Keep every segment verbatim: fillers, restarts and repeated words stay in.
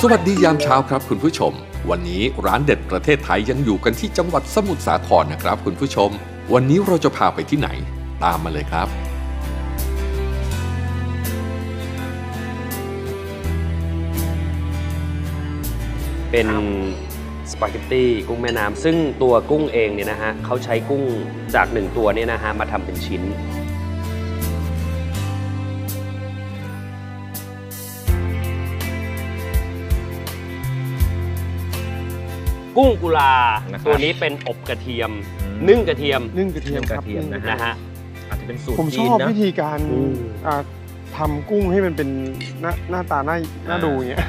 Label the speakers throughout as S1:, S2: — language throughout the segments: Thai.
S1: สวัสดียามเช้าครับคุณผู้ชมวันนี้ร้านเด็ดประเทศไทยยังอยู่กันที่จังหวัดสมุทรสาครนะครับคุณผู้ชมวันนี้เราจะพาไปที่ไหนตามมาเลยครับ
S2: เป็นสปาเกตตี้กุ้งแม่น้ำซึ่งตัวกุ้งเองเนี่ยนะฮะเขาใช้กุ้งจากหนึ่งตัวเนี่ยนะฮะมาทำเป็นชิ้นกุ้งกุลาตัวนี้เป็นอบกระเทียมนึ่งกระเทียม
S3: นึ่งกระเทียม
S2: กระเทียมนะฮะอาจจะเป็นสูตร
S3: ผมชอบวิธีการทำกุ้งให้มันเป็นหน้าหน้าตาหน้าหน้าดูอย่างเงี้ย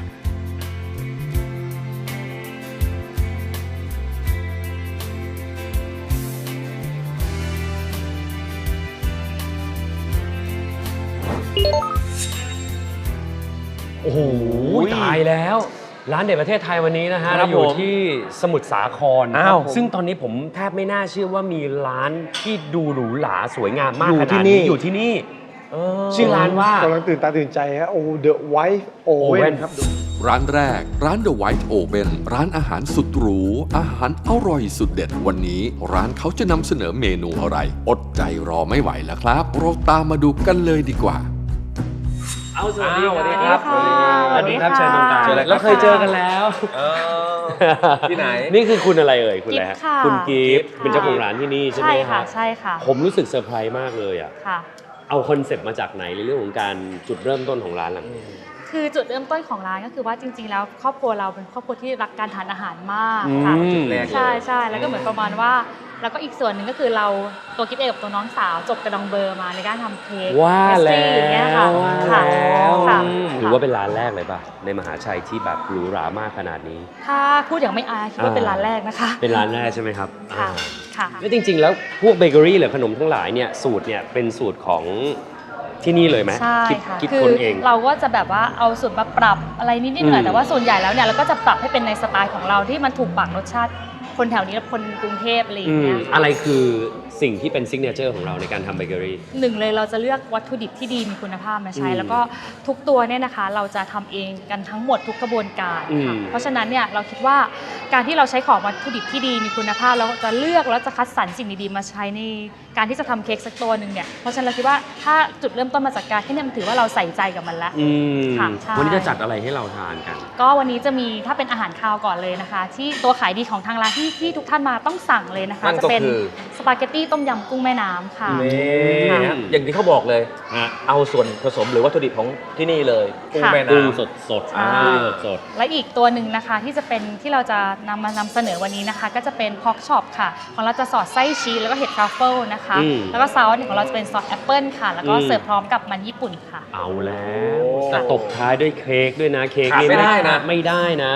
S2: โอ้โหตายแล้วร้านเด็ดประเทศไทยวันนี้นะฮะเราอยู่ที่สมุทรสาครซึ่งตอนนี้ผมแทบไม่น่าเชื่อว่ามีร้านที่ดูหรูหราสวยงามมากขนาดนี้อยู่ที่นี่ชื่อร้านว่าก
S3: ำลังตื่นตาตื่นใจฮะโอ้ The White Oven ครับ
S1: ร้านแรกร้าน The White Oven ร้านอาหารสุดหรูอาหารอร่อยสุดเด็ดวันนี้ร้านเขาจะนำเสนอเมนูอะไรอดใจรอไม่ไหวแล้วครับเราตามมาดูกันเลยดีกว่า
S2: เอาสวัสดีครับ
S4: สวัสดีครับ
S2: เชิญตรงกลางเราเคยเจอกันแล้ว
S4: ที่ไหน
S2: นี่คือคุณอะไรเอ่ยคุณอะไรฮะคุณกิฟต์เป็นเจ้าของร้านที่นี่ใช่ไหม
S4: ใช่ค่ะใช่ค่ะ
S2: ผมรู้สึกเซอร์ไพรส์มากเลยอ่ะเอาคอนเซปต์มาจากไหนในเรื่องของการจุดเริ่มต้นของร้านหลังนี้
S4: คือจุดเริ่มต้นของร้านก็คือว่าจริงๆแล้วครอบครัวเราเป็นครอบครัวที่รักการทานอาหารมากค่ะใช่ใช่แล้วก็เหมือนประมาณว่าแล้วก็อีกส่วนหนึ่งก็คือเราตัวกิ๊บเองกับตัวน้องสาวจบกระดองเบอร์มาในการทำเค้ก
S2: ว่าแล้ว
S4: อย่างเงี้ยค่ะ
S2: ค่ะถือว่าเป็นร้านแรกเลยป่ะในมหาชัยที่แบบหรูหรามากขนาดนี้
S4: ถ้าพูดอย่างไม่อายคิดว่าเป็นร้านแรกนะคะ
S2: เป็นร้านแรกใช่ไหมครับ
S4: ค่ะค่ะ
S2: แล้วจริงๆแล้วพวกเบเกอรี่หรือขนมทั้งหลายเนี่ยสูตรเนี่ยเป็นสูตรของที่นี่เลยไหม
S4: ใช่ค่ะ
S2: คิดคนเอง
S4: เราก็จะแบบว่าเอาสูตรมาปรับอะไรนิดๆหน่อยแต่ว่าส่วนใหญ่แล้วเนี่ยเราก็จะปรับให้เป็นในสไตล์ของเราที่มันถูกปากรสชาติคนแถวนี้และคนกรุงเทพอะไรอย่างเงี้ย
S2: อะไรคือสิ่งที่เป็นซิกเนเจอร์ของเราในการทำเบเกอรี่
S4: หนึ่งเลยเราจะเลือกวัตถุดิบที่ดีมีคุณภาพมาใช้แล้วก็ทุกตัวเนี่ยนะคะเราจะทำเองกันทั้งหมดทุกกระบวนการค่ะเพราะฉะนั้นเนี่ยเราคิดว่าการที่เราใช้ของวัตถุดิบที่ดีมีคุณภาพแล้วจะเลือกแล้วจะคัดสรรสิ่งดีๆมาใช้ในการที่จะทำเค้กสักตัวหนึ่งเนี่ยเพราะฉะนั้นเราคิดว่าถ้าจุดเริ่มต้นมาจากการที่เนี่ยมันถือว่าเราใส่ใจกับมันแล้ว
S2: ค่ะวันนี้จะจัดอะไรให้เราทานกัน
S4: ก็วันนี้จะมีถ้าเป็นอาหารคาวก่อนเลยนะคะที่ตัวขายดีของทางร้านที่ที่ทุกท่านมาต้องสั่งเลยนะคะจะเป็นสปาเกตตี้ต้มยำกุ้งแม่น้ำค่ะ
S5: อย่างที่เขาบอกเลยเอาส่วนผสมหรือวัตถุดิบของที่นี่เลยกุ้งแม่น้ำ
S2: สดสดสด
S4: และอีกตัวหนึ่งนะคะที่จะเป็นที่เราจะนำมานำเสนอวันนี้นะคะก็จะเป็นพอกช็อปค่ะของเราจะสอดไส้ชีสแล้วก็เห็ดทรัฟเฟิลนะคะแล้วก็ซอสของเราจะเป็นซอสแอปเปิลค่ะแล้วก็เสิร์ฟพร้อมกับมันญี่ปุ่นค่ะ
S2: เอาแล้วแต่ตบท้ายด้วยเค้กด้วยนะเค้ก
S5: นี่ไม่ได้นะ
S2: ไม่ได้นะ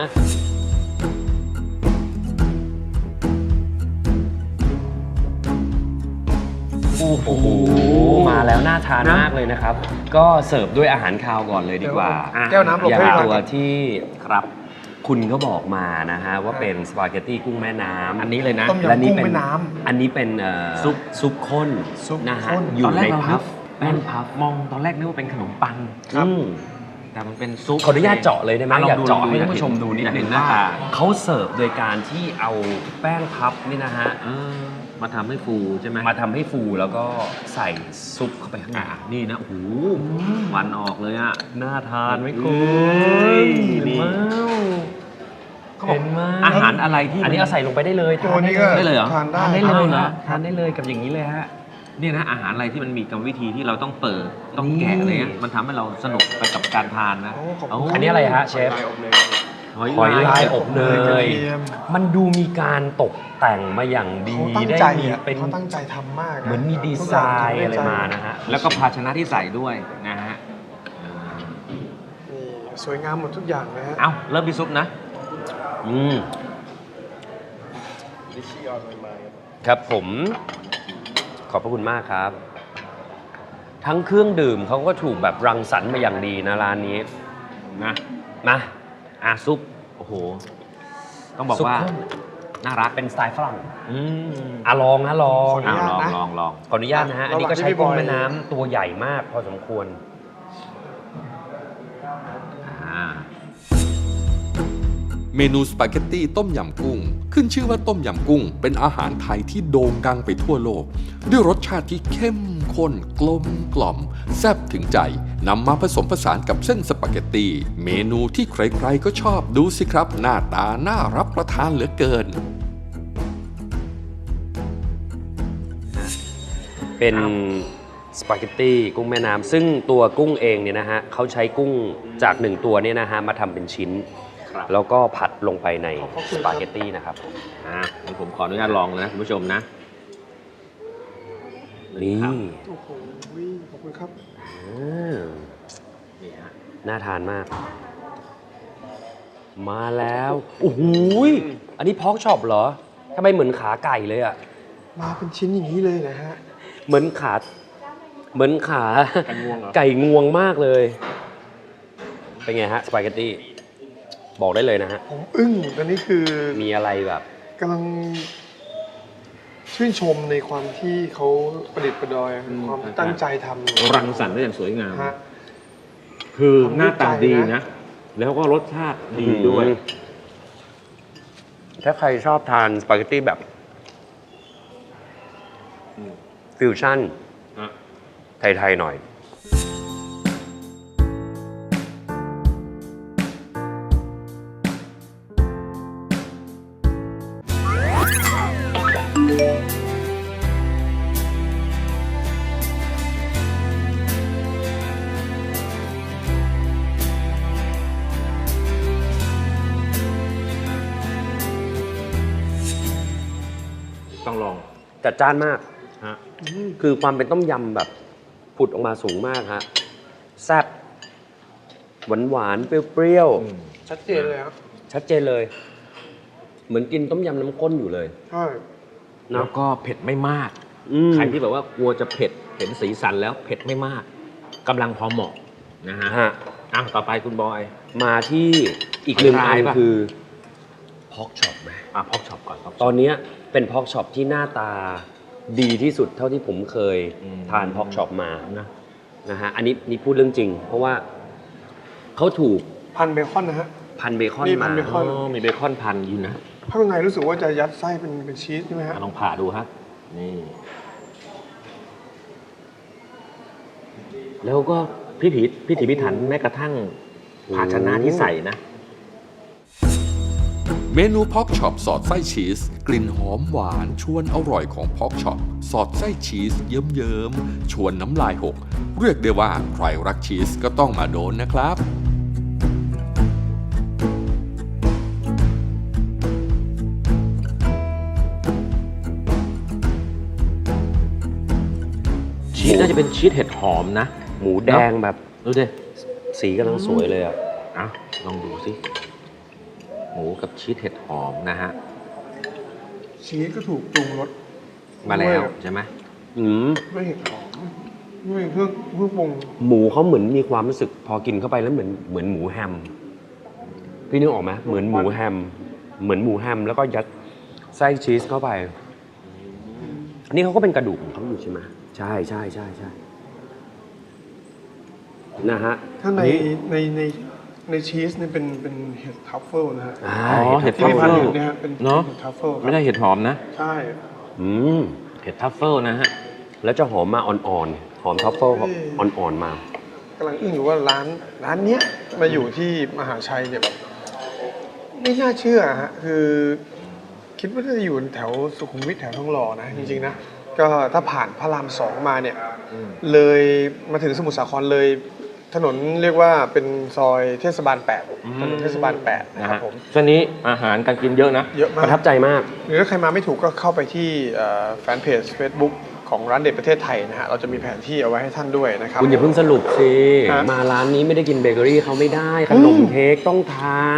S2: โอ้โหมาแล้วน่าทานมากเลยนะครับก็เสิร์ฟด้วยอาหารคาวก่อนเลยดีกว่า
S3: แก้วน้ำ
S2: อย่างตัวที่ครับคุณก็บอกมานะฮะว่าเป็นสปาเกตตี้กุ้งแม่น้ำ
S5: อันนี้เลยนะ
S3: และนี่เป็น
S2: อันนี้เป็นซุปซุปข้นนะฮะอยู่ในพัฟแป้งพัฟ
S5: มองตอนแรกนึกว่าเป็นขนมปัง
S2: ครับ
S5: แต่มันเป็นซุป
S2: ขออนุญาตเจาะเลยได้ไหม
S5: อยากเจาะให้ท่านผู้ชมดูนิดนึงว่า
S2: เขาเสิร์ฟโดยการที่เอาแป้งพัฟนี่นะฮะ
S5: มาทำให้ฟูใช่ไหม
S2: มาทำให้ฟูแล้วก็ใส่ซุปเข้าไปข้างใน
S5: นี่นะโอ้โหวันออกเลยอ่ะ
S2: น่าทานไหมคุณนี่
S5: เห็นไหมอาหารอะไรที่
S2: อันนี้เอาใส่ลงไปได้เลย
S3: ทาน
S5: ได้เลยเหรอ
S3: ทานได้
S2: ทานได้เลยนะทานได้เลยกับอย่างนี้เลยฮะ
S5: นี่นะอาหารอะไรที่มันมีกรรมวิธีที่เราต้องเปิดต้องแกะอะไรเงี้ยมันทำให้เราสนุกไปกับการทานนะ
S2: อันนี้อะไรฮะเชฟหอยลายอบเนยมันดูมีการตกแต่งมาอย่างดี
S3: ได้มีเป็นเขาตั้งใจทำมาก
S2: เหมือนมีดีไซน์อะไรมานะฮะ
S5: แล้วก็ภาชนะที่ใส่ด้วยนะฮะ
S3: นี่สวยงามหมดทุกอย่างนะฮะ
S5: เอ้าเริ่มมีซุปนะ
S2: อืมครับผมขอบพระคุณมากครับทั้งเครื่องดื่มเขาก็ถูกแบบรังสรรค์มาอย่างดีนะร้านนี้
S5: นะ
S2: นะ
S5: อ่ะซุปโอ้โหต้องบอกว่าน่ารัก
S2: เป็นสไตล์ฝรั่งอืมอ่ะลองนะลอง
S5: ลองลองลอง
S2: ขออนุญาตนะฮะอันนี้ก็ใช้กุ้งแม่น้ำตัวใหญ่มากพอสมควร
S1: เมนูสปาเกตตี้ต้มยำกุ้งขึ้นชื่อว่าต้มยำกุ้งเป็นอาหารไทยที่โด่งดังไปทั่วโลกด้วยรสชาติที่เข้มข้นกลมกล่อมแซ่บถึงใจนำมาผสมผสานกับเส้นสปาเกตตี้เมนูที่ใครๆก็ชอบดูสิครับหน้าตาน่ารับประทานเหลือเกิน
S2: เป็นสปาเกตตี้กุ้งแม่น้ำซึ่งตัวกุ้งเองเนี่ยนะฮะเขาใช้กุ้งจากหนึ่งตัวเนี่ยนะฮะมาทำเป็นชิ้น แล้วก็ผัดลงไปในสปาเกตตี้นะครับ
S5: อ่ะงั้นผมขออนุญาตลองเลยนะคุณผู้ชมนะ
S2: นี่
S3: โอ้โหขอบคุณครับ
S2: อืม
S5: นี่ฮะ
S2: น่าทานมาก มาแล้วโอ้โหยอันนี้พอกช็อปเหรอทำไมเหมือนขาไก่เลยอ่ะ
S3: มาเป็นชิ้นอย่างนี้เลยนะฮะ
S2: เหมือนขาเหมือนขา
S3: ไก่งวงเหรอ
S2: ไก่งวงมากเลย เป็นไงฮะสปาเกตตี้บอกได้เลยนะฮะ
S3: ผมอึ้งอันนี้คือ
S2: มีอะไรแบบ
S3: กำลังชื่นชมในความที่เขาประดิษฐ์ประดอยความตั้งใจทำ
S5: รังสรรค์ได้อย่างสวยงาม
S3: ฮะ
S5: คือหน้าตาดี
S3: ทำด้วยใจ
S5: นะ
S3: นะ
S5: แล้วก็รสชาติดีด้วย
S2: ถ้าใครชอบทานสปาเกตตี้แบบ
S5: อืม
S2: ฟิวชั่น
S5: ฮะ
S2: ไทย ๆ หน่อย
S5: ต้องลอง
S2: จัดจ้านมาก
S5: ฮะ
S2: คือความเป็นต้มยำแบบผุดออกมาสูงมากฮะแซ่บหวานหวานๆเปรี้ยว
S5: อืม
S3: ชัดเจนเลยครับ
S2: ๆ ชัดเจนเลย เหมือนกินต้มยำน้ำข้นอยู่เลย
S3: ใช่
S2: เนอะ
S5: แล้วก็เผ็ดไม่มาก
S2: อืม
S5: ใครที่แบบว่ากลัวจะเผ็ด เห็นสีสันแล้วเผ็ดไม่มากกำลังพอเหมาะนะฮะ
S2: ฮะ
S5: อ่ะต่อไปคุณบอย
S2: มาที่อีกหนึ่ง
S5: หอย
S2: อั
S5: ลาย
S2: น
S5: ปะ
S2: คือพอกช็อปไหม
S5: อ่ะพอกช็อปก่อน pork chop
S2: ตอนเนี้ยเป็นพอกช็อปที่หน้าตาดีที่สุดเท่าที่ผมเคย
S5: อืม
S2: ทานพอกช็อปมา
S5: นะ
S2: นะฮะอันนี้นี่พูดเรื่องจริง เพราะว่าเขาถูก
S3: พันเบคอนนะฮะ
S2: พันเบคอน
S3: นี่พั
S2: มา
S3: นเบคอน
S5: อ๋อมีเบคอนพันอยู่นะ
S3: ข้างในรู้สึกว่าจะยัดไส้เป็นเป็นชีสใช่ไหมฮะ
S5: อ่ะลองผ่าดูฮะนี่ แล้วก็พิถีพิถีพิถันแม้กระทั่งภาชนะที่ใส่นะ
S1: เมนูพอกช็อปสอดไส้ชีสกลิ่นหอมหวานชวนอร่อยของพอกช็อปสอดไส้ชีสเยิ้มๆชวนน้ำลายหก เรียกได้ว่าใครรักชีสก็ต้องมาโดนนะครับ
S5: ชีสน่าจะเป็นชีสเห็ดหอมนะ
S2: หมูแดงแบบ
S5: ดูดิ
S2: สีกำลังสวยเลยอ่ะ
S5: อ่ะลองดูสิ หมูกับชีสเห็ดหอมนะฮะ
S3: ชีสก็ถูกปรุงรส
S5: มาแล้ว
S3: ด้วย
S5: ใช่ไหม
S2: อืม
S3: ด้วยเห็ดหอมด้วยเครื่องเครื่องปรุง
S2: หมูเขาเหมือนมีความรู้สึกพอกินเข้าไปแล้วเหมือนเหมือนหมูแฮม พี่นึกออกไหมเหมือนหมูแฮม เหมือนหมูแฮมแล้วก็ยัดไส้ชีสเข้าไป อันนี้เขาก็เป็นกระดูกของเขาอยู่ใช่ไหมใช่ใช่ใช่ใช่นะฮะ
S3: ถ้าใน
S2: อันนี้
S3: ในในในชีสเนี่ยเป็นเป็นเห็ดทัฟเฟิลนะฮะ
S2: อ่า
S5: อ๋อเห็ด
S3: ที่
S5: ทัฟ
S3: พี่
S5: เฟิ
S3: พัน
S5: ล
S3: อยู่เนี่ยฮะเป็น
S5: เนอะ
S3: เห็ดทัฟเฟิลค
S5: ไม่
S3: รับ
S5: ได้เห็ดหอมนะ
S3: ใช่
S2: อืม
S5: เห็ดทัฟเฟิลนะฮะ
S2: แล้วจะหอมมาอ่อนๆ หอมท็อฟเฟิลอ่อนๆมา
S3: กำลังอึ้งอยู่ว่าร้านร้านเนี้ยมาอยู่ที่มหาชัยเนี่ยแบบไม่น่าเชื่อฮะคือคิดว่าจะอยู่แถวสุขุมวิทแถวทองหล่อนะจริงๆนะก็ถ้าผ่านพระรามสองมาเนี่ย
S5: อืม
S3: เลยมาถึงสมุทรสาครเลย ถนนเรียกว่าเป็นซอยเทศบาลแปดถนนเทศบาลแปดนะ
S5: นะครับ ฮะ
S3: ผม
S5: ช่วงนี้อาหารการกินเยอะนะ
S3: เยอะ
S2: ป
S3: มา
S2: ระทั
S3: ก
S2: บใจมาก
S3: หรือถ้าใครมาไม่ถูกก็เข้าไปที่เอ่อแฟนเพจ Facebook ของร้านเด็ดประเทศไทยนะฮะเราจะมีแผนที่เอาไว้ให้ท่านด้วยนะครับ
S2: คุณอย่าเพิ่งสรุปสิ
S3: ฮะ
S2: มาร้านนี้ไม่ได้กินเบเกอรี่เขาไม่ได้ ขนมเค้กต้องทาน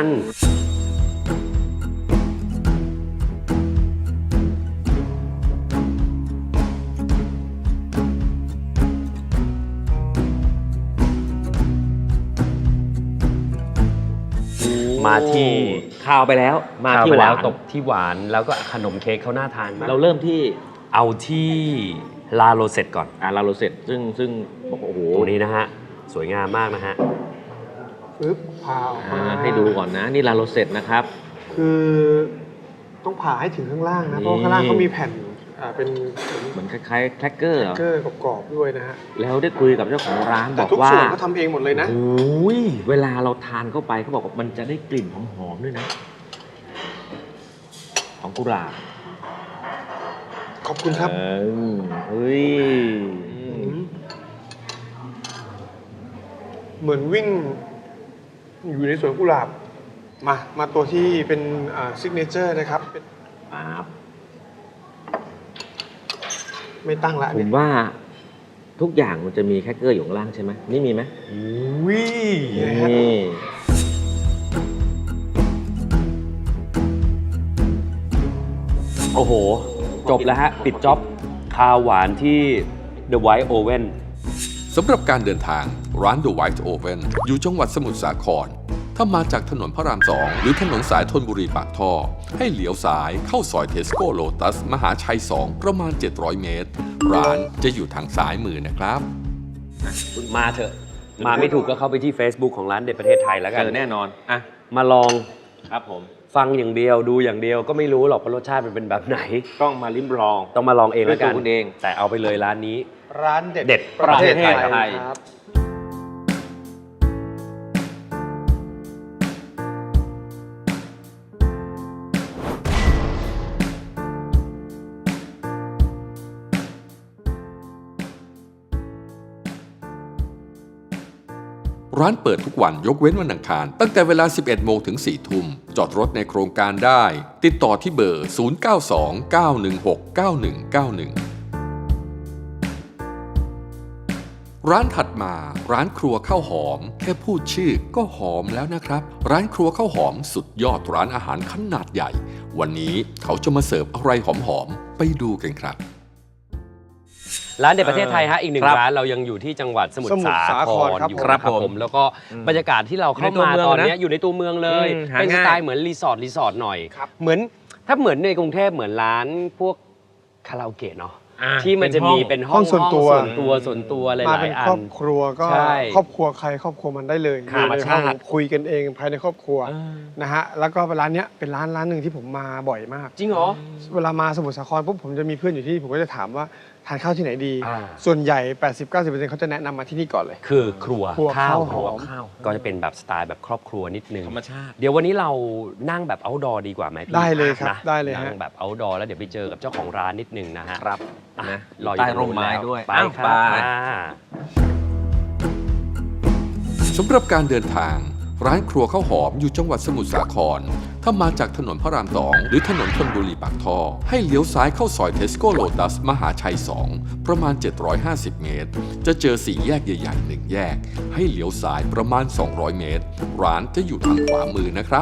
S2: มาที่
S5: ข้าวไปแล้ว มา
S2: ข้าว
S5: ที่
S2: ไป
S5: ห
S2: แล้ว
S5: วาน
S2: ตกที่หวานแล้วก็ขนมเค้กเขาน่าทานมาก
S5: เราเริ่มที่
S2: เอาที่ลาโรเซตก่อน
S5: อ่าลาโรเซตซึ่งซึ่งบอกว่าโอ้โห
S2: ตัวนี้นะฮะ สวยงามมากนะฮะ
S3: ปึ๊บพาออก
S5: อ่า
S3: มา
S5: ให้ดูก่อนนะ นี่ลาโรเซตนะครับ
S3: คือต้องผ่าให้ถึงข้างล่างนะเพราะข้างล่างเขามีแผ่นอ่าเป็นเหมือน
S5: เหมือนคล้ายๆแครกเกอร์เหรอ
S3: เกอร์กรอบๆด้วยนะฮะ
S5: แล้วได้คุยกับเจ้าของร้านบ
S3: แต่
S5: อก
S3: ทุก
S5: ว่า
S3: ส่วนเขาทำเองหมดเลยนะ
S5: โอ้ยเวลาเราทานเข้าไปเขาบอกว่ามันจะได้กลิ่นหอมๆด้วยนะ ของกุหลาบ
S3: ขอบคุณครับ
S5: เออเฮ้ย
S3: เหมือนวิ่งอยู่ในสวนกุหลาบ มา มาตัวที่เป็นซิกเนเจอร์นะครับเป็น
S5: ปั๊บ
S3: ไม่ตั้งละ
S5: ผ
S3: เนี่ย
S5: มว่าทุกอย่างมันจะมีแครกเกอร์อยู่ข้างล่างใช่ไหมนี่มีไหม
S2: อุ้ย
S5: นี่
S2: โอ้โห จบแล้วฮะ ปิดจ็อบคาวหวานที่ The White Oven
S1: สำหรับการเดินทางร้าน The White Oven อยู่จังหวัดสมุทรสาคร ถ้ามาจากถนนพระรามสองหรือถนนสายธนบุรีปากท่อ ให้เลี้ยวซ้ายเข้าซอยเทสโก้โลตัสมหาชัย สอง ประมาณ เจ็ดร้อย เมตร ร้านจะอยู่ทางซ้ายมือนะครับ
S2: มาเถอะ มาไม่ถูกก็เข้าไปที่ Facebook ของร้านเด็ดประเทศไทยแล้วกัน
S5: เจอแน่นอนอ่ะ
S2: มาลอง
S5: ครับผม
S2: ฟังอย่างเดียวดูอย่างเดียวก็ไม่รู้หรอกว่ารสชาติมันเป็นแบบไหน
S5: ต้องมาลิ้มลอง
S2: ต้องมาลองเองแล้วกัน
S5: ด้วยตัวคุณเอง
S2: แต่เอาไปเลยร้านนี้
S3: ร้านเด็ด
S2: เด็ด
S3: ประเทศไทย
S5: ประเทศไทย
S3: ครับ
S1: ร้านเปิดทุกวันยกเว้นวันอังคารตั้งแต่เวลา สิบเอ็ด โมงถึง สี่ ทุ่ม จอดรถในโครงการได้ ติดต่อที่เบอร์ ศูนย์ เก้า สอง เก้า หนึ่ง หก เก้า หนึ่ง เก้า หนึ่ง ร้านถัดมาร้านครัวข้าวหอม แค่พูดชื่อก็หอมแล้วนะครับ ร้านครัวข้าวหอมสุดยอดร้านอาหารขนาดใหญ่ วันนี้เขาจะมาเสิร์ฟอะไรหอมๆไปดูกันครับ
S2: ร้านเด็ดประเทศไทยฮะอีกหนึ่ง
S5: ครับ
S2: ร้านเรายังอยู่ที่จังหวัดสมุทร
S3: สมุท
S2: สาร
S3: สา
S2: ค
S3: ค
S2: ร
S3: รครับ
S2: อยู่
S3: ผม
S2: นะครับผมแล้วก็บรรยากาศที่เราเข้ามาตอนนี้อยู่ในตัวเมืองเลย
S5: อืมหา
S2: เป็นส
S5: ง่าย
S2: ไตล์เหมือนรีสอร์ทรีสอร์ทหน่อย
S3: ครับ
S2: เหมือนถ้าเหมือนในกรุงเทพเหมือนร้านพวกคาราโอเกะเนาะ
S5: อ่ะ
S2: ที่มันจะมีเป็นห้อง
S3: ห้องส่วนตัว
S2: ส่วนตัวส่วนตัวห
S3: มา
S2: ลา
S3: เป็
S2: ย
S3: น
S2: ๆอั
S3: ครอน บครัวก็
S2: ใช่
S3: ครอบครัวใครครอบครัวมันได้เลย
S2: ธรรมชาติ
S3: อยู่ในห้องคุยกันเองภายในครอบครัวนะฮะแล้วก็ร้านเนี้ยเป็นร้านร้านหนึ่งที่ผมมาบ่อยมาก
S2: จริงเหรอ
S3: เวลามาสมุทรสาครปุ๊บผมจะมีเพื่อนอยู่ที่นี่ผมก็จะถามว่าทานข้าวที่ไหนดี
S2: อ่า
S3: ส่วนใหญ่ แปดสิบถึงเก้าสิบเปอร์เซ็นต์ เขาจะแนะนำมาที่นี่ก่อนเลย
S2: คือครัว
S3: ครัวข้าวหอม
S2: ข้าวก็จะเป็นแบบสไตล์แบบครอบครัวนิดนึง
S5: ธรรมชาติ
S2: เดี๋ยววันนี้เรานั่งแบบ outdoor ดีกว่าไหมพี่
S3: ได้เลยครับ
S2: นะ
S3: ได้เลยฮะ
S2: นั่งแบบ outdoor แล้วเดี๋ยวไปเจอกับเจ้าของร้านนิดนึงนะฮะ
S5: ครับ
S2: อ่ะ
S5: นะ
S2: รออยู่
S5: ใต้
S2: ตง
S5: ร่มไม้
S2: แล้ว
S5: ด้วย
S2: ไป
S5: อ้าว
S2: ครับ
S5: ไป
S2: อ่า
S1: สำหรับการเดินทาง ร้านครัวข้าวหอมอยู่จังหวัดสมุทรสาคร ถ้ามาจากถนนพระรามสองหรือถนนธนบุรีปากท่อ ให้เลี้ยวซ้ายเข้าซอยเทสโก้โลตัสมหาชัย สอง ประมาณ เจ็ดร้อยห้าสิบ เมตร จะเจอสี่แยกใหญ่ๆหนึ่งแยก ให้เลี้ยวซ้ายประมาณ สองร้อย เมตร ร้านจะอยู่ทางขวามือนะครับ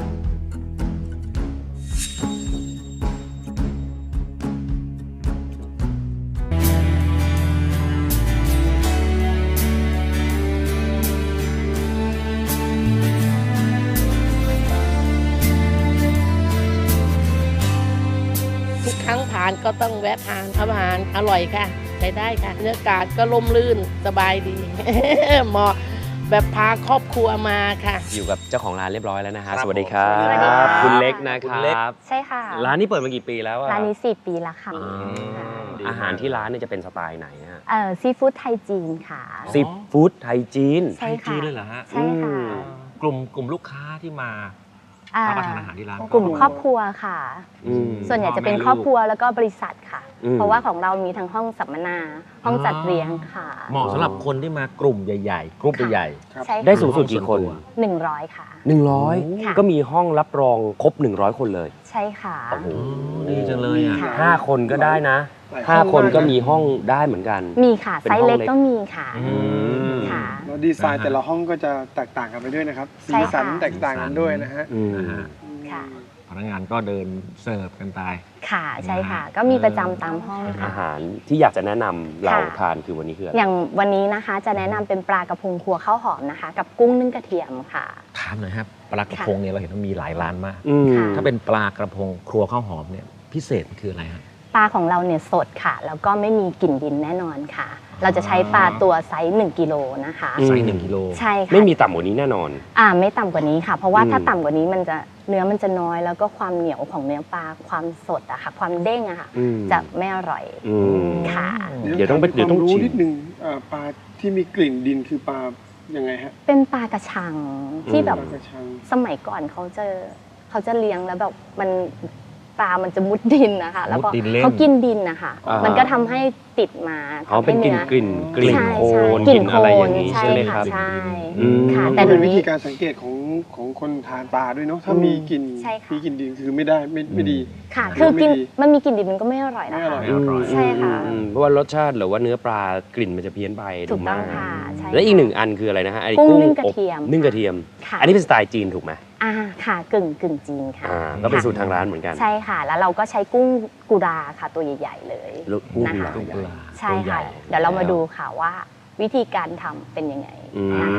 S6: ทุกครั้งทานก็ต้องแวะทานอาหารอร่อยค่ะใช้ได้ค่ะเนื้อกาดก็ล่มลื่นสบายดี เหมาะแบบพาครอบครัวมาค่ะ
S2: อยู่กับเจ้าของร้านเรียบร้อยแล้วนะฮะ
S5: ครับ
S2: สวัสดีครับ
S7: สวัสดีค่ะ
S2: คุณเล็กนะค
S5: คุณเล็ก
S2: รับ
S7: ใช่ค่ะ
S2: ร้านนี้เปิดมากี่ปีแล้วอะ
S7: ร้านนี้สี่ปีแล้วค่ะ
S2: อืมอาหารที่ร้านเนี่ยจะเป็นสไตล์ไหนฮะ
S7: เอ่อซีฟู้ดไทยจีนค่ะ
S2: ซีฟู้ดไทยจีน
S7: ใช่ค่ะ
S5: จีนเลยเหรอฮะ
S7: ใช่ค่ะ
S2: อืม
S5: กลุ่มกลุ่มลูกค้าที่มา
S7: อ่
S5: รับประทานอาหารที่ร้าน
S7: กลุ่มครอบครัวค่ะ
S2: อืม
S7: ส่วนใหญ่จะเป็นครอบครัวแล้วก็บริษัทค่ะ
S2: อืม
S7: เพราะว่าของเรามีทั้งห้องสัมมนา ห้องจัดเลี้ยงค่ะ
S5: เหมาะสำหรับคนที่มากลุ่มใหญ่ๆ กลุ่มใหญ่
S7: ใช่
S2: ได้
S7: ค่ะ
S2: สูงสุดกี่คน
S7: หนึ่งร้อยค่ะ
S2: หนึ่งร้อย
S7: ค่ะ
S2: ก็มีห้องรับรองครบหนึ่งร้อยคนเลย
S7: ใช่ค่ะ
S2: โอ้โห
S5: ดีจังเลยอ่ะ
S7: ค่ะ
S2: ห้าคนก็ได้นะ
S3: หลาย
S2: ห้า
S3: ห้อง
S2: คน
S3: มาก
S2: ก็
S3: นะ
S2: มีห้องได้เหมือนกัน
S7: มีค่ะ
S2: เป็น
S7: ไซส์
S2: ห้อง
S7: เล็ก
S2: เล็ก
S7: ก็มีค่ะ
S2: อืม
S7: ค่ะ
S3: แล้วดีไซน์
S5: นะฮะ
S3: แต่ละห้องก็จะแตกต่างกันไปด้วยนะครับ
S7: ใช่
S3: สี
S7: ค่ะ
S3: สันแตกต่างกันด้วยนะฮะ
S2: อืม
S5: นะฮะ
S7: ค่ะ
S5: พนักงานก็เดินเสิร์ฟกันไป
S7: ค่ะใช่ค่ะ ก็มีประจำตามห้อง
S2: อา
S7: ค่ะ
S2: หารที่อยากจะแนะนำเรา
S7: ค่ะ
S2: ทานคือวันนี้คืออะไร
S7: อย่างวันนี้นะคะจะแนะนำเป็นปลากระพงครัวข้าวหอมนะคะ กับกุ้งนึ่งกระเทียมค่ะ
S5: ถามหน่อยครับปลากระพงเนี่ยเราเห็นว่ามีหลายร้านมาก
S2: อืม
S7: ค่ะ
S5: ถ้าเป็นปลากระพงครัวข้าวหอมเนี่ยพิเศษมันคืออะไรฮะ
S7: ปลาของเราเนี่ยสดค่ะ แล้วก็ไม่มีกลิ่นดินแน่นอนค่ะ เราจะใช้ปลาตัวไซส์หนึ่งกิโลนะคะ
S2: อืม
S5: ไซส์หนึ่งกิโล
S7: ใช่ค่ะ
S2: ไม่มีต่ำกว่านี้แน่นอน
S7: อ่าไม่ต่ำกว่านี้ค่ะ เพราะว่า
S2: อืม
S7: ถ้าต่ำกว่านี้มันจะเนื้อมันจะน้อยแล้วก็ความเหนียวของเนื้อปลาความสดอะค่ะความเด้งอะค่ะ
S2: อืม
S7: จะไม่อร่อย
S2: อืม
S7: ค่ะ
S2: เดี๋ยวต้องไปเดี๋ยวต้อง
S3: รู้
S2: ชิม
S3: นิดนึงอ่าปลาที่มีกลิ่นดินคือปลายังไงฮะ
S7: เป็นปลากระชังที่แบบ
S3: ปลากระชัง
S7: สมัยก่อนเขาจะเขาจะเลี้ยงแล้วแบบมันปลามันจะมุดดินนะคะแล้วก็
S5: มุดดินเล่น
S7: เขากินดินนะคะ
S2: อ่ามั
S7: มันก็ทำให้ติดมา
S2: อ๋อ
S7: ทำ
S2: เป็น
S7: ให้
S2: กลิ่น
S7: เนื้อก
S2: ลิ่นกลิ่น
S7: ใช่
S2: โคล
S7: ใช่
S2: น
S7: ก
S2: ก
S7: ลิ่
S2: ลิ่
S7: น
S2: น
S7: โค
S2: อะไร
S7: ล
S2: อน ย่างนี้
S7: ใช่
S2: ใช่ไหมค
S7: ค่ะ
S2: รับ
S7: ใช่
S2: อืม
S7: ค่ะ
S3: แต่
S7: แต่
S3: เป็
S7: เดี๋ย
S3: น
S7: ว
S3: วิ
S7: นี้
S3: ธีการสังเกตของของคนทานปลาด้วยเนาะถ้ามีกลิ่น
S7: ใช่ค่ะ
S3: มีกลิ่นดินคือไม่ได้ไม่ไม่ดี
S7: ค่ะ
S3: ไม่
S7: คือกิน
S3: ดี
S7: มันมีกลิ่นดิบมันก็ไม่อร่อยนะ
S3: ไม่อ
S7: คะ
S3: ร่อย
S2: อืม
S7: ใช่ค่ะ
S2: อืมเพราะว่ารสชาติหรือว่าเนื้อปลากลิ่นมันจะเพี้ยนไป
S7: ถูกต้อง
S2: มาก
S7: ค่ะใช่
S2: และอีก
S7: ค่ะ
S2: หนึ่งอันคืออะไรนะฮะไอ้
S7: กุ้ง
S2: กุ้ง
S7: นึ่งกระ
S2: อบ
S7: เทียม
S2: นึ่งกระเทียม
S7: ค่ะ
S2: อันนี้เป็นสไตล์จีนถูกไหม
S7: อ่าค่ะกึ่งกึ่งจีนค่ะ
S2: อ่าก็เป็น
S7: ค่ะ
S2: สูตรทางร้านเหมือนกัน
S7: ใช่ค่ะ แล้วเราก็ใช้กุ้งกุราค่ะตัวใหญ่ๆเลย
S2: แล้วกุ้ง
S7: นะคะ
S2: กุลา
S5: กุลา
S7: ใช่
S2: ตัวใหญ่
S7: ค่ะ เดี๋ยวเรามาดูค่ะว่าวิธีการทำเป็นยังไง
S2: อืม
S7: นะคะ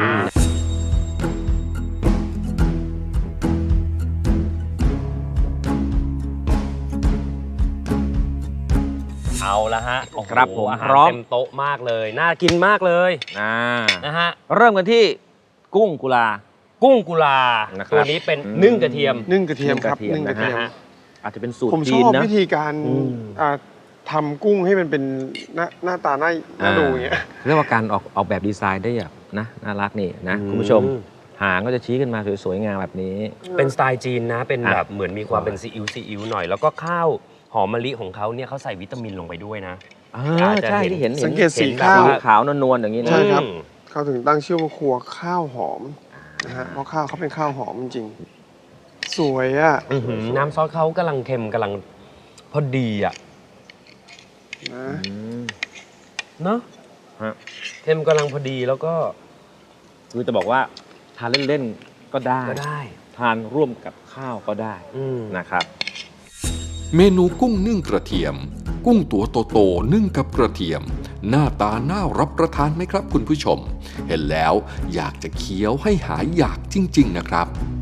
S2: เอาละฮะโอ้โห
S5: ครับผม
S2: อาหาร
S5: พร้อม
S2: เต็มโต๊ะมากเลย น่ากินมากเลย
S5: อ่า
S2: นะฮะ
S5: เริ่มกันที่กุ้งกุลา
S2: กุ้งกุลา
S5: นะครับ
S2: ตัวนี้เป็น
S5: อืม
S2: นึ่งกระเทียม
S3: นึ่งกระเทียมครับ
S5: นึ่
S3: นึ่ง
S5: ง
S3: ก
S5: ก
S3: ระ
S5: ระเที
S3: เทีย
S5: ย
S3: ม
S5: ม อาจจะเป็นสูตร
S3: ผมช
S5: จี
S3: อน บ
S5: นะ
S3: วิธีการ
S2: อืม
S3: อ่าทำกุ้งให้มันเป็นหน้าหน้าตาหน้าหน้า
S5: อ่า
S3: ดูอย่างเงี้ย
S5: เรียกว่าการออกออกแบบดีไซน์ได้แบบนะน่ารักนี่นะคุณผู้ชมหางก็จะชี้ขึ้นมาสวยๆงามแบบนี้
S2: เป็นสไตล์จีนนะ เป็น
S5: อ่ะ
S2: แบบเหมือนมีความเป็นซีอิ๊วซีอิ๊วหน่อย แล้วก็ข้าวหอมมะลิของเขาเนี่ยเขาใส่วิตามินลงไปด้วยนะ
S5: อ่า
S2: อาจจะ
S5: ใช่
S2: เห็น
S5: ที่เห็น
S3: สังเกตสี
S5: ห็นแบบ
S3: ข้าว
S5: ขาวๆนวลๆอย่างนี้นะ
S3: ใช่ครับ
S2: อืม
S3: เขาถึงตั้งชื่อว่าครัวข้าวหอมนะฮะเพราะข้าวเขาเป็นข้าวหอมจริงๆสวยอ่ะ
S2: อื้อหือน้ำซอสเขากำลังเค็มกำลังพอดีอ่ะ
S3: นะ
S5: อืม
S2: เนาะ
S5: ฮะ
S2: เค็มกำลังพอดีแล้วก็
S5: คือจะบอกว่าทานเล่นๆก็ได้
S2: ก็ได้
S5: ทานร่วมกับข้าวก็ได้
S2: อืม
S5: นะครับ
S1: เมนูกุ้งนึ่งกระเทียม กุ้งตัวโตๆนึ่งกับกระเทียม หน้าตาน่ารับประทานไหมครับคุณผู้ชม เห็นแล้วอยากจะเคี้ยวให้หายอยากจริง ๆ นะครับ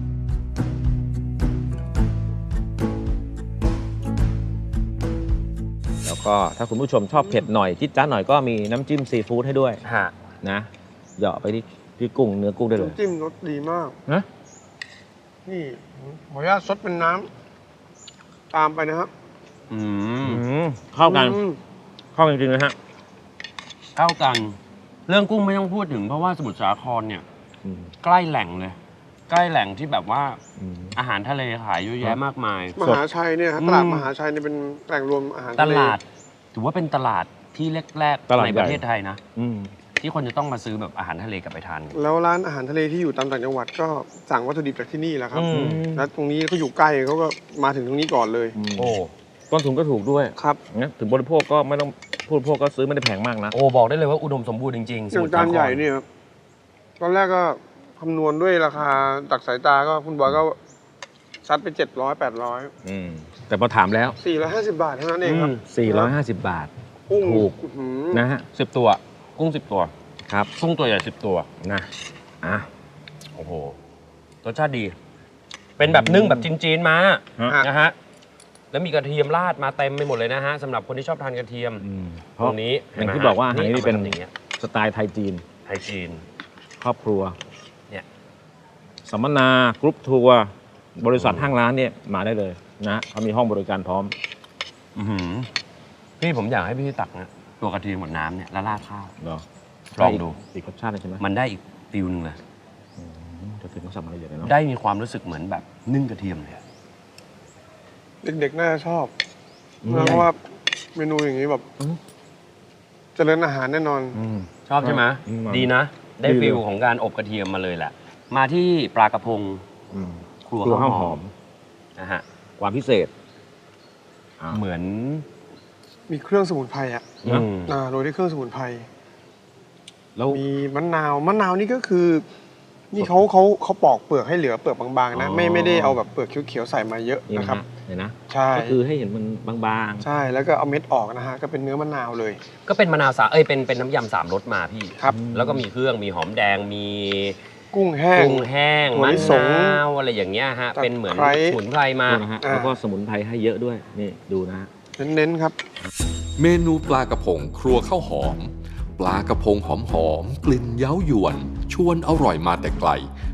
S5: แล้วก็ถ้าคุณผู้ชมชอบเผ็ดหน่อยจิ๊ดจ้าดหน่อยก็มีน้ำจิ้มซีฟู้ดให้ด้วย
S2: ฮะ
S5: นะเหยาะไปที่ที่กุ้งเนื้อกุ้งได้เลย
S3: น้ำจิ้มรสดีมาก
S5: นะ
S3: นี่ขออนุญาตซดเป็นน้ำตามไปนะครับ
S2: อืม
S5: อืมเข้ากัน
S3: อืม
S5: เข้ากันจริงๆนะฮะ
S2: เข้ากัน เรื่องกุ้งไม่ต้องพูดถึงเพราะว่าสมุทรสาครเนี่ย
S5: อืม
S2: ใกล้แหล่งเลย ใกล้แหล่งที่แบบว่า
S5: อืม
S2: อาหารทะเลขายเยอะแยะมากมาย
S3: มหาชัยเนี่ยฮะ
S2: อืม
S3: ตลาดมหาชัยเนี่ยเป็นแหล่งรวมอาหาร
S2: ต
S3: ทะเล
S2: ลาด ถือว่าเป็นตลาดที่แรก
S5: ตลาด
S2: ๆใน
S5: ใหญ่
S2: ประเทศไทยนะ
S5: อืม
S2: ที่คนจะต้องมาซื้อแบบอาหารทะเลกลับไปทานกัน
S3: แล้วร้านอาหารทะเลที่อยู่ตามต่างจังหวัดก็สั่งวัตถุดิบจากที่นี่แหละครับ
S2: อืม
S3: แล้วตรงนี้เขาอยู่ใกล้เขาก็มาถึงตรงนี้ก่อนเลย
S2: โอ้
S5: ต้นทุนก็ถูกด้วย
S3: ครับ
S5: นะถึงบริโภคก็ไม่ต้องผู้บริโภคก็ซื้อไม่ได้แพงมากนะ
S2: โอ้บอกได้เลยว่าอุดมสมบูรณ์จริงๆ
S3: อย่างจานใหญ่เนี่ยครับตอนแรกก็คำนวณด้วยราคาจากสายตาก็คุณบอยก็ซัดไปเจ็ดร้อยแปดร้อย
S5: อืมแต่พอถามแล้ว
S3: สี่ร้อยห้าสิบบาทเท่านั้นเองครับ
S5: สี่ร้อยห้าสิบบาท
S3: กุ้ง
S5: ถูก
S3: อื้อหือ
S5: นะฮะ
S2: สิบตัว กุ้งสิบตัว
S5: ครับ
S2: กุ้งตัวใหญ่สิบตัว
S5: นะอ่ะ
S2: โอ้โห รสชาติดี เป็นแบบนึ่งแบบจีนๆมา
S5: ฮะ
S2: นะฮะ แล้วมีกระเทียมราดมาเต็มไปหมดเลยนะฮะสำหรับคนที่ชอบทานกระเทียม
S5: อืมเพ
S2: ต
S5: ราะ
S2: รงนี้
S5: อย่างที่
S2: ห็ไหม
S5: บอกว่าอาหารนี่เป็น
S2: อามาทำอย่างเงี้ย
S5: สไตล์ไทยจีน
S2: ไทยจีน
S5: ครอบครัว
S2: เนี่ย
S5: สัมมนากรุ๊ปทัวร์บริษัทห้างร้านเนี่ยมาได้เลยนะเขามีห้องบริการพร้อม
S2: อื้อหือพี่ผมอยากให้พี่ตักนะตัวกระเทียมกับน้ำเนี่ยแล้วราดข้าว
S5: เนาะ
S2: ลองดู
S5: อีกรสชาติหนึ่งใช่ไหม
S2: มันได้อีกฟิลนึงเลย
S5: อืมจะถึงต้องสั่งอะไรอย่างเงี้ยเนาะ
S2: ได้มีความรู้สึกเหมือนแบบนึ่งกระเทียมเลยอะ
S3: เด็กๆน่าจะชอบ
S5: อืม
S3: เพราะว่าเมนูอย่างนี้แบบ
S5: อืม
S3: เจริญอาหารแน่นอน
S5: อืม
S2: ชอบใช่ไหม
S5: อืม
S2: ดีนะ ได้
S5: ดีเลย
S2: ฟิลของการอบกระเทียมมาเลยแหละ มาที่ปลากระพง
S5: อืม
S2: ครัว
S5: ครัว
S2: ข้า
S5: ข้าว ว
S2: ห
S5: ห
S2: อ
S5: อ
S2: ม
S5: ม
S2: นะฮะ
S5: ความพิเศษอ่า
S2: เหมือน
S3: มีเครื่องสมุนไพรอ่ะ
S5: นะ
S2: อืม
S3: อ่าโรยด้วยเครื่องสมุนไพร
S5: แล้ว
S3: มีมะนาวมะนาวนี่ก็คือ นี่เขาเขาเขาปอกเปลือกให้เหลือเปลือกบางๆนะ
S5: อ๋อ
S3: ไม่ไม่ได้เอาแบบเปลือกเขียวๆใส่มาเยอะ
S5: นี่
S3: นะ
S5: นะ
S3: ครั
S5: ฮะ
S3: บ
S5: เห็นนะ
S3: ใช่
S5: ก็คือให้เห็นมันบาง
S3: ใช่แล้วก็เอาเม็ดออกนะฮะก็เป็นเนื้อมะนาวเลย
S2: ก็เป็นมะนาวสาเอ้ยเป็นเป็นน้ำยำสามรสมาพี่
S3: ครับ
S2: แล้วก็มีเครื่องมีหอมแดงมี
S3: กุ้งแห้ง
S2: กุ้งแห้ง
S3: ถั่ว
S2: มะ
S3: ลิสง
S2: นาวอะไรอย่างเงี้ยฮะ
S3: ตะไคร้
S2: เป็นเหมือนสมุนไพร
S5: ๆ
S2: มา
S5: ดูนะฮะ
S3: อ่า
S5: แล้วก็สมุนไพรให้เยอะด้วยนี่ดูนะฮะ
S3: เน้นๆครับ
S1: เมนูปลากระพงครัวข้าวหอม ปลากระพงหอมหอมๆกลิ่นเย้ายวน ชวนอร่อยมาแต่ไกล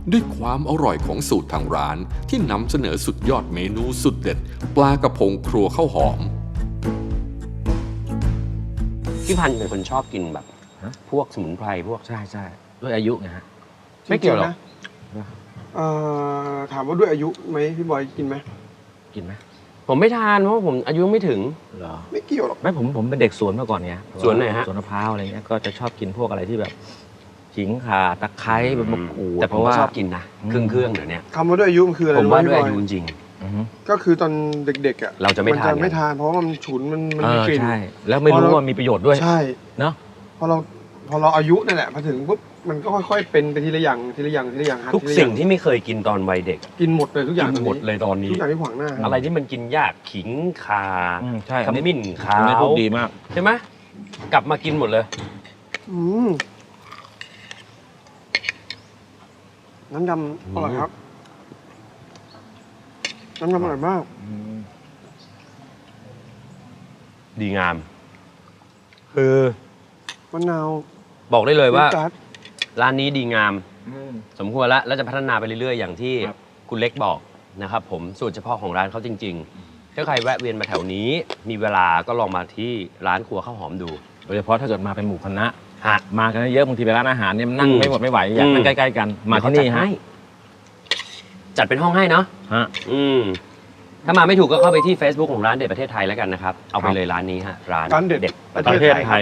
S1: ด้วยความอร่อยของสูตรทางร้านที่นำเสนอสุดยอดเมนูสุดเด็ด ปลากระพงครัวข้าวหอม
S2: พี่พันธ์เป็นคนชอบกินแบบ
S5: ฮะ
S2: พวกสมุนไพรพวก
S5: ใช่ใช่ด้วยอายุไงฮะ
S2: ไม่เกี่ยวหรอก
S3: จงๆนะเอ่อถามว่าด้วยอายุไหมพี่บอยกินไหม
S5: กินไหม
S2: ผมไม่ทานเพราะว่าผมอายุไม่ถึง
S5: เหรอ
S3: ไม่เกี่ยวหรอก
S5: ไม่ผมผมเป็นเด็กสวนมาก่อนไง
S2: สวนไหนฮะ
S5: สวนมะพร้าวอะไรเงี้ยก็จะชอบกินพวกอะไรที่แบบขิงข่าตะไคร้ใบมะกรูด
S2: แต่ผม
S5: เพราะ
S2: ก็
S5: ว่า
S2: ชอบกินนะเครื่องเครื่องๆเดี๋ยวนี้
S3: คำว่าด้วยอายุมันคืออะไร
S2: ผมว่า
S3: รู้
S2: ด้
S3: ไห
S2: วย
S3: พี่บ
S2: อายุจริง
S5: อือฮึ
S3: ก็คือตอนเด็กๆอ่ะ
S2: เราจะไม่ทาน
S3: จะไม่ทานเพราะว่ามันฉุนมันมัน
S5: เอ
S3: มี
S5: อก
S3: ลิ่น
S5: ใช่แล้วไม่รู้
S3: พอเรา
S5: ว่ามีประโยชน์ด้วย
S3: ใช่
S5: เนาะ
S3: พอเราพอเราอายุนั่นแหละพอถึงปุ๊บมันก็ค่อยๆเป็นไปทีละอย่างทีละอย่างทีละอย่างหัด
S2: ทุก
S3: ทีละ
S2: สิ่ง
S3: อย่า
S2: ที่ไม่เคยกินตอนวัยเด็ก
S3: กินหมดเลยทุกอย่าง
S2: กินหมดเลยตอนนี้
S3: ทุกอย่างที่ขวางหน้า
S2: อะไรที่มันกินยากขิงข่า
S5: อืมใช่
S2: ขมิ้นขา
S5: อันนี้
S2: ว
S5: พูดดีมาก
S2: ใช่ไหมกลับมากินหมดเลย
S3: อืมน้ำดำอร่อยครับ น้ำดำอร่อยมาก
S2: ดีงาม คือ
S3: มะนาว
S2: บอกได้เลยว่า
S3: จัด
S2: ร้านนี้ดีงาม
S5: อืม
S2: สมควรแล้วแล้วจะพัฒนาไปเรื่อยๆ อย่างที่
S5: ครับ
S2: คุณเล็กบอกนะครับผมสูตรเฉพาะของร้านเขาจริง ๆ ถ้าใครแวะเวียนมาแถวนี้ มีเวลาก็ลองมาที่ร้านครัวข้าวหอมดู
S5: โดยเฉพาะถ้าเกิดมาเป็นหมู่คณะ
S2: ฮะ
S5: มากันเยอะบางทีไปร้านอาหารเนี่ยมันนั่ง
S2: อืม
S5: ไม่หมดไม่ไหวอยากนั่ง
S2: อืม
S5: ใกล้ๆกันมาที่นี่ฮะ
S2: จัดเป็นห้องให้เนาะ
S5: ฮะ
S2: อืมถ้ามาไม่ถูกก็เข้าไปที่ Facebook ของร้านเด็ดประเทศไทยแล้วกันนะครับ เอาไป
S5: ครับ
S2: เลยร้านนี้ฮะร้าน
S3: ร้านเด็ด
S2: ประ
S5: ประ
S2: เท
S5: เท
S2: ศ
S5: ศ
S2: ไท
S5: ไท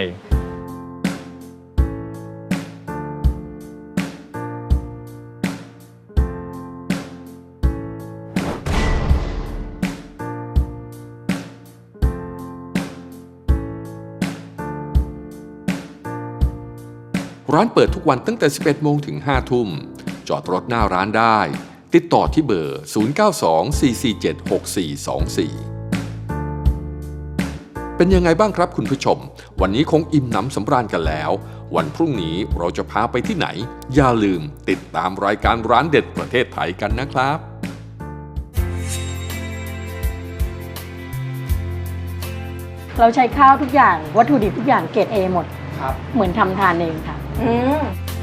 S2: ย
S5: ย
S1: ร้านเปิดทุกวันตั้งแต่ สิบเอ็ดโมงถึง ห้าทุ่ม จอดรถหน้าร้านได้ ติดต่อที่เบอร์ ศูนย์ เก้า สอง สี่ สี่ เจ็ด หก สี่ สอง สี่ เป็นยังไงบ้างครับคุณผู้ชม วันนี้คงอิ่มหนำสำราญกันแล้ว วันพรุ่งนี้เราจะพาไปที่ไหน อย่าลืมติดตามรายการร้านเด็ดประเทศไทยกันนะครับ
S8: เราใช้ข้าวทุกอย่างวัตถุดิบทุกอย่างเกรด A หมด
S3: ครับ
S8: เหมือนทำทานเองค่ะ
S4: อืม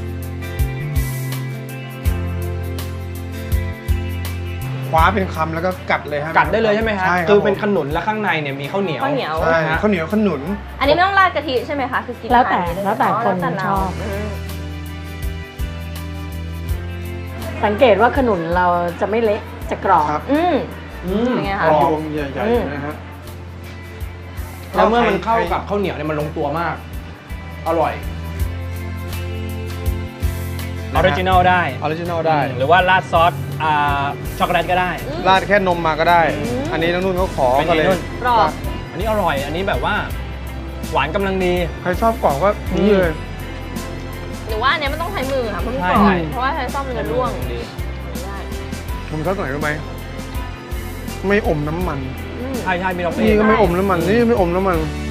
S3: คว้าเป็นคำแล้วก็กัดเลยฮะ
S9: กัดได้เลยใช่ไหมฮะ
S3: ใช่ครับ
S9: คือเป็น
S3: ผม
S9: ขนุนและข้างในเนี่ยมีข้าวเหนียว
S10: ข้าวเหนียว
S3: ใช่ข้าวเหนียวขนุน
S10: อันนี้ไม่ต้องราดกะทิใช่ไหมคะ คือกิน
S8: แล้วแต่
S10: ทานนี้
S8: แล้วแต่คน
S10: แล้วแต่เรา
S8: ชอบ
S10: อืม
S8: สังเกตว่าขนุนเราจะไม่เละจะกรอบ
S3: ครับ
S10: อืม
S9: อืม
S10: เป็นไง
S3: ก
S10: คะ
S3: รอบวงใหญ่
S10: อืม
S3: ๆนะฮะ
S9: แล้วเมื่อมันเข้า
S3: ใคร
S9: กับข้าวเหนียวเนี่ยมันลงตัวมาก อร่อยออริจินอลได้
S3: ออริจินอลได้
S9: หรือว่าราดซอสอ่าช็อกโกแลตก็ได้
S3: ราดแค่นมมาก็ได้ อันนี้น้องนุ่นเขาขอ
S9: เป็น
S3: ก็
S9: ไง
S3: เลย
S9: นุ่น
S10: กรอบ
S9: อันนี้อร่อย อันนี้แบบว่า หวานกำลังดี
S3: ใครชอบกรอบก็นี่เลย
S10: หรือว่าอันเนี้ยมันต้องใช้มือค่ะเพราะมันกรอ
S9: ใช่
S10: บเพราะว่าใช้ซ่อมมันจะร่วง
S9: ดี
S10: ไม่ได้
S3: ผมชอบตรงไหนรู้ไหมไม่อมน้ำมัน
S10: อืม
S9: ใช่ใช่มีน้องเอ
S3: นี่
S9: ง
S3: ก็ไม่อมน้ำมัน นี่ไม่อมน้ำมัน
S10: อ